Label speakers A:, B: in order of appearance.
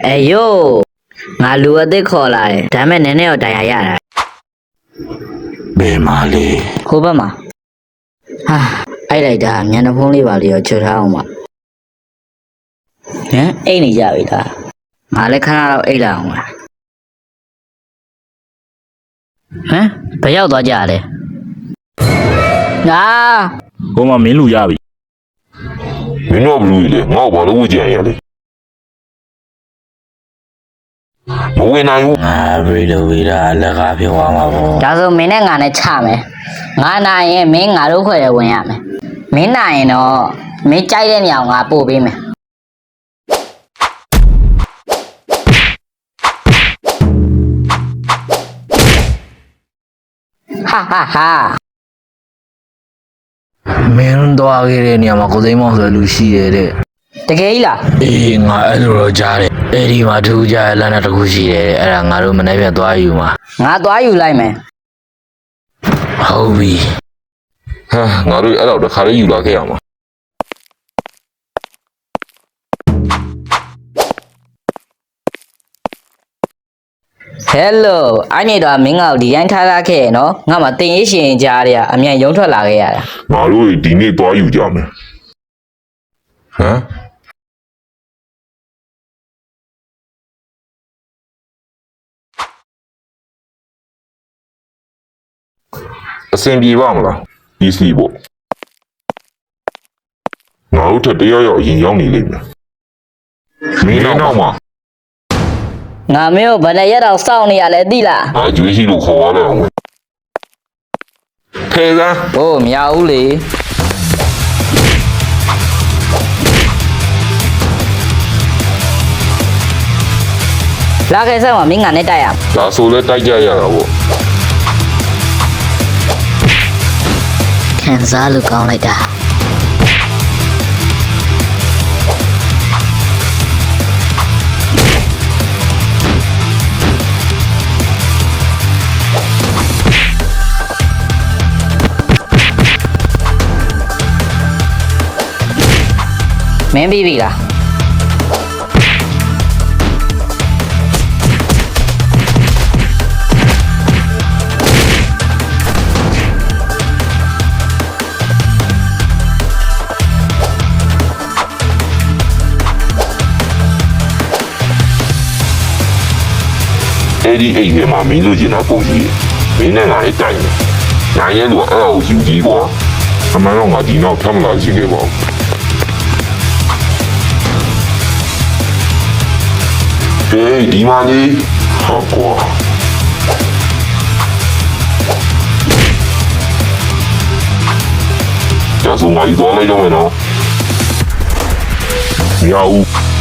A: 哎呦，俺路得考来，咱们奶奶要带下来。
B: ဘယ်မှာလဲ
A: 后边嘛，啊，哎来的，年的风里吧里要吃啥嘛？哎你家位的，俺来看到哎了嘛？不要多家的。啊，
B: ဟိုမှာမင်းလူရပြီ
C: မင်းတို့ဘလူးလေငေါ့ဘာလို့ကြံရလဲမဝင်နိုင်ဘူး
B: ငါပြေလို့ဝေးတာအလကားပြောသွားမှာပေါ့
A: ဒါဆိုမင်းနဲ့ငါနဲ့ချမယ်ငါနိုင်ရင်မင်းငါတို့ခွဲရဝင်ရမယ်မင်းနိုင်ရင်တော့မင်းကြိုက်တဲ့နေရာကိုငါပို့ပေးမယ်ဟာဟာဟာ
B: မင်းသွားခဲ့တဲ့နေရာမှာကိုသိမ်းမောင်ဆိုလူရှိတယ်တဲ့
A: တကယ်ကြီးလား
B: အေးငါအဲ့လိုတော့ကြားတယ်အဲ့ဒီမှာသူကြားလမ်းတစ်ခုရှိတယ်တဲ့အဲ့ဒါငါတို့မနေ့ပြန်သွားယူမှာ
A: ငါသွားယူလိုက်မယ်
B: ဟုတ်ပြီ
C: ဟာငါတို့အဲ့တော့တခါလေးယူလာခဲ့ရမှာ
A: ဟယ်လိုအဲ့နေတော့မင်းငါ့ကိုဒီတိုင်းထားထားခဲ့ရနော်ငါမှတင်ရေးရှင်ကြားရအမြန်ရုံထွက်လာခဲ့ရတာ
C: ငါတို့ဒီနေ့သွားယူကြမယ်ဟမ်အစင်ပြေပါမလားဒီစီပေါ့ငါတို့ထက်တယောက်ယောက်အရင်ရောက်နေလိမ့်မယ်မင်းနောက်မှာ
A: ငါမင်းကိုဘယ်နဲ့ရက်တော့စောင့်နေရလဲသိလား
C: အကျွေးရှိလို့ခေါ်ရတော့ထဲက
A: ဟိုမရဘူးလေလာခဲ့စမ်းမမင်းငါနဲ့တိုက်ရ
C: ဒါဆိုလဲတိုက်ကြရတာပေါ့
A: ခံစားလို့ကောင်းလိုက်တာမင်းပြီးပြီလား
C: အဲ့ဒီအိမ်ထဲမှာမင်းတို့ကျင်တာပုံကြီးမင်းနဲ့ငါလည်းတိုင်တယ်နိုင်ရဲလို့အဲ့အကိုယူကြည့်ကွာအမှန်တော့ငါဒီနောက်ထပ်မလာရှိခဲ့ပါဘူးဟေးဒီမှာနေဟာကွာဒါဆိုငါယူသွားလိုက်တော့မယ်နော်မရဘူး